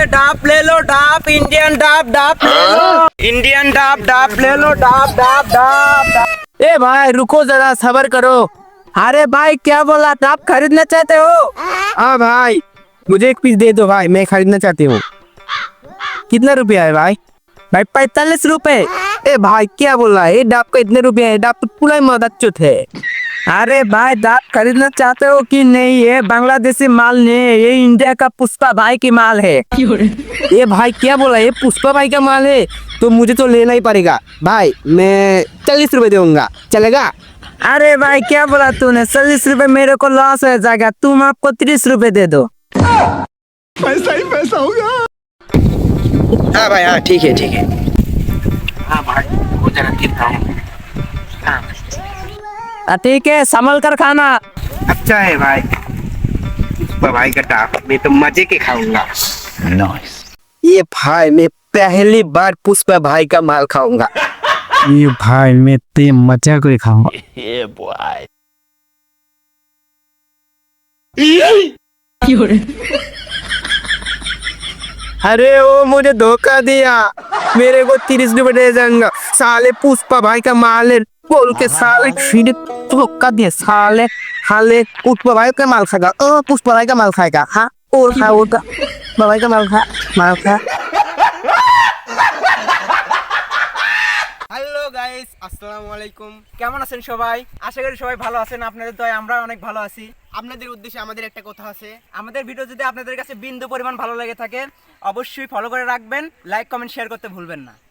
डाप ले लो डाप इंडियन डाप डाप ले लो इंडियन डाप डाप ले लो डाप डाप डाप डाप। ए भाई रुको जरा सबर करो। अरे भाई क्या बोला डाप खरीदना चाहते हो? हाँ भाई मुझे एक पीस दे दो भाई, मैं खरीदना चाहती हूँ। कितना रुपया है भाई? भाई 45 रुपए। ए भाई क्या बोल रहा है, ये डाब का इतने रुपए है? डाब तो पूरा मदद है। अरे भाई डाप खरीदना चाहते हो कि नहीं? ये बांग्लादेशी माल नहीं है, ये इंडिया का पुष्पा भाई की माल है। ये भाई क्या बोला, ये पुष्पा भाई का माल है? तो मुझे तो लेना ही पड़ेगा भाई, मैं 40 रुपए दूंगा, चलेगा? अरे भाई क्या बोला तूने? 40 रुपए मेरे को लॉस हो जाएगा, तुम आपको 30 रुपए दे दो। पैसा ही पैसा होगा। हाँ भाई हाँ ठीक है ठीक है। हाँ भाई वो जरा कितना है? ठीक है संभल कर खाना। अच्छा है भाई, पुष्पा भाई का डाब मैं तो मजे के खाऊंगा। नाइस। ये भाई मैं पहली बार पुष्पा भाई का माल खाऊंगा। ये भाई मैं ते मजा को खाऊंगा। अरे वो मुझे धोखा दिया, मेरे को 30 रुपए दे जाऊंगा। साले पुष्पा भाई का माल है बोल के साले सीधे धोखा दिया। साले हाले पुष्पा भाई का माल खाएगा, पुष्पा भाई का माल खाएगा। हाँ और खा वो पुष्पा भाई का माल खा, माल खा। হ্যালো গাইস, আসসালামু আলাইকুম। কেমন আছেন সবাই? আশা করি সবাই ভালো আছেন। আপনাদের দয়ায় আমরা অনেক ভালো আছি। আপনাদের উদ্দেশ্যে আমাদের একটা কথা আছে। আমাদের ভিডিও যদি আপনাদের কাছে বিন্দু পরিমাণ ভালো লেগে থাকে অবশ্যই ফলো করে রাখবেন, লাইক কমেন্ট শেয়ার করতে ভুলবেন না।